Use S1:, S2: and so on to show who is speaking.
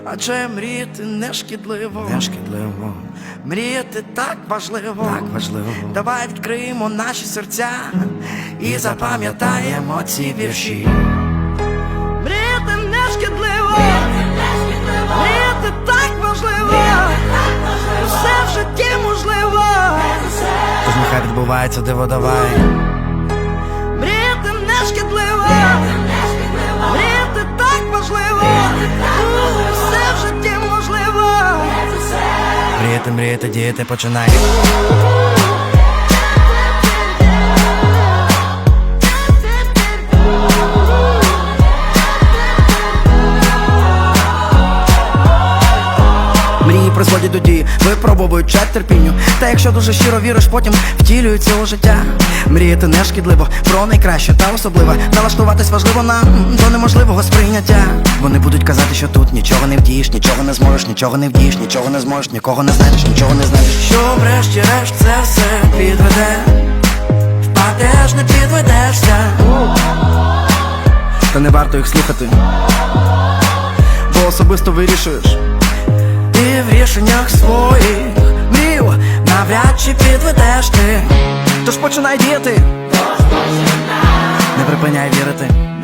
S1: Адже мріяти не шкідливо,
S2: не шкідливо,
S1: мріяти так важливо,
S2: так важливо.
S1: Давай відкриємо наші серця і запам'ятаємо ці вірші. Мріяти не шкідливо, мріяти так важливо, все в житті можливо,
S2: Тож нехай відбувається диво, давай.
S1: мріяти не шкідливо, мріяти так важливо, все в житті можливо.
S2: Мріяти, мріяти, діяти, починай. Мрії призводять до дії, випробовують чат терпінню. Та якщо дуже щиро віриш, потім втілюється у життя. Мріяти не шкідливо, про найкраще та особливе. Налаштуватись важливо нам до неможливого сприйняття. Вони будуть казати, що тут нічого не вдієш, нічого не зможеш, нічого не вдієш, нічого не зможеш, нікого не знайдеш, нічого не знайдеш.
S1: Що врешті-решт це все підведе, впадеш, не підведешся.
S2: Та не варто їх слухати, бо особисто вирішуєш.
S1: І в рішеннях своїх мрію навряд чи підведеш ти.
S2: Тож починай діяти, не припиняй вірити.